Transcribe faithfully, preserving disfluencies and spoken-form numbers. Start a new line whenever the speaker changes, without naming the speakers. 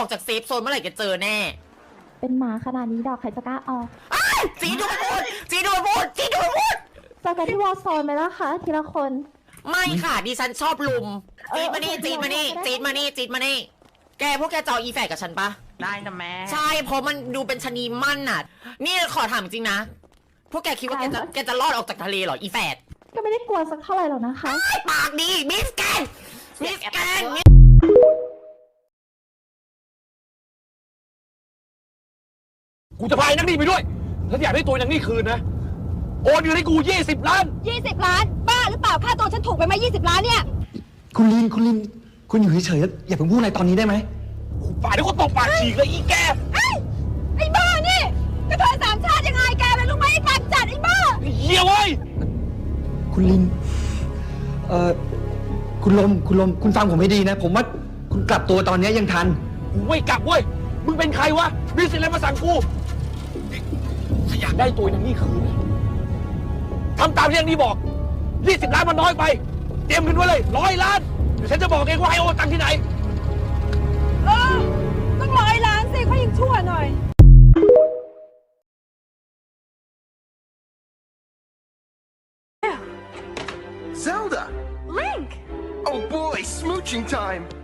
จากเซฟโซนเมื่อไหร่แกเจอแน่
เป็นหมาขนาดนี้ดอกใครจะกล้าออก
จีดูมันพูดจีดูมันพูดจีดูมันพูด
เจอกันที่วอลโซนไหมล่ะคะทีละคน
ไม่ค่ะดิฉันชอบลุม
เออ
จีดมานี่
เออ
จีดมานี่
ได้
จีดมานี่จีดมานี่แกพวกแกจออีแฝดกับฉันปะ
ได้นะแม่
ใช่เพราะมันดูเป็นชะนีมั่นน่ะ นี่ขอถามจริงนะ พวกแกคิดว่าแกจะแกจะรอดออกจากทะเลเหรออีแฝด
ก็ไม่ได้กลัวสักเท่าไหร่หรอกนะคะ
ปากดีมิสแกนมิสแกน
กูจะพายนักนี่ไปด้วยถ้าอยากได้ตัวนักนี่คืนนะ โอนเงินให้กูยี่สิบล้าน
ยี่สิบล้าน บ้าหรือเปล่าค่าตัวฉันถูกไปไหมยี่สิบล้านเนี่ย
คุณลินคุณลินคุณอยู่เฉยๆอย่าเพิ่งพูดอะไรตอนนี้ได้ไหม
ป่าเดี๋ยวก็ตบปากฉีกเลยอีแก
ไอ้ไอ้บ้านี่กระเทยสามชาติยังไงแกเป็นลูกไม้ไอ้ปากจัดไอ้บ้า
เหี้ยเว้ย
คุณลินเอ่อคุณลมคุณลมคุณฟังผมให้ดีนะ ผมว่าคุณกลับตัวตอนนี้ยังทัน
กูไม่กลับเว้ย มึงเป็นใครวะ มีสิทธิ์อะไรมาสั่งกูถ้าอยากได้ตัวนักนี่คืนนะทำตามที่นักนี่บอกยี่สิบล้านมันน้อยไป เตรียมเงินไว้เลยร้อยล้านเดี๋ยวฉันจะบอกเองว่าให้โอนตังค์ที่ไหน
เออต้องร้อยล้านสิเขายังชั่วหน่อย
Zelda!
Link
Oh boy, smooching time!